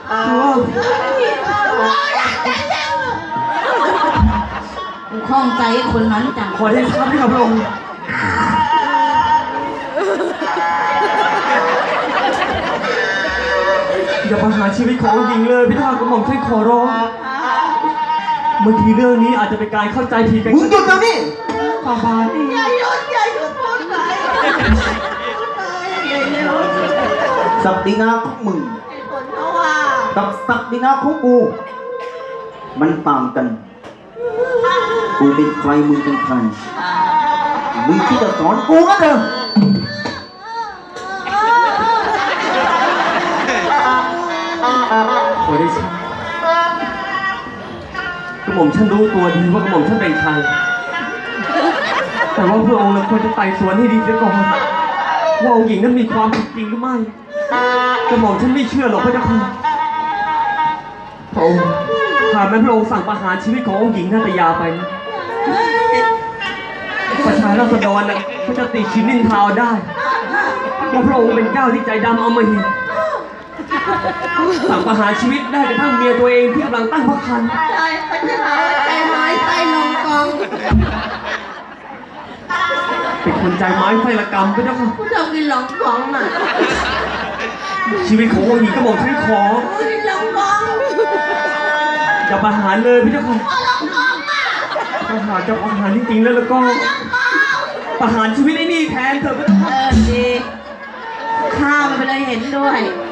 กูคล่องใจคนนั้นจังขอได้ทราบที่กับพระองค์อย่าประหารชีวิตขององค์หญิงเลยพี่ท่ากระหม่อมช่วยขอร้องบางทีเรื่องนี้อาจจะเป็นการเข้าใจผิดกันมึงหยุดเดี๋ยวนี้ฝ่าบาทอย่าหยุดพูดไปศักดินาของมึงผลเพราะว่ากับศักดินาของกู มันต่างกัน กูเป็นใครมึงเป็นใครมึงที่จะสอนกูก็เถอะขอได้ทราบกระหม่อมฉันรู้ตัวดีว่ากระหม่อมฉันเป็นใครแต่ว่าพระองค์เราควรจะไต่สวนให้ดีเสียก่อนว่าองค์หญิงนั้นมีความผิดจริงหรือไม่กระหม่อมฉันไม่เชื่อหรอกพระเจ้าค่ะพระองค์หากแม้พระองค์สั่งประหารชีวิตขององค์หญิงนาตยาไปนะประชาราษฎรนะเขาจะติชินนินทาวได้ว่าพระองค์เป็นเจ้าที่ใจดำเอามาหินสั่งประหารชีวิตได้กระทั่งเมียตัวเองที่กำลังตั้งพระครรภ์ใจพระเจ้าใจไม้ใจลงกองเป็นคนใจไม้ไฟละกรรมพระเจ้าค่ะผู้ชมกินหลงกองน่ะชีวิตขององค์หญิงกระหม่อมฉันขอกินหลงกองอย่าประหารเลยพระเจ้าค่ะหลงกองอ่ะถ้าหากจะประหารจริงๆแล้วก็ประหารชีวิตไอ้นี่แทนเถอะพระเจ้าค่ะดีข้ามันไปเลยเห็นด้วย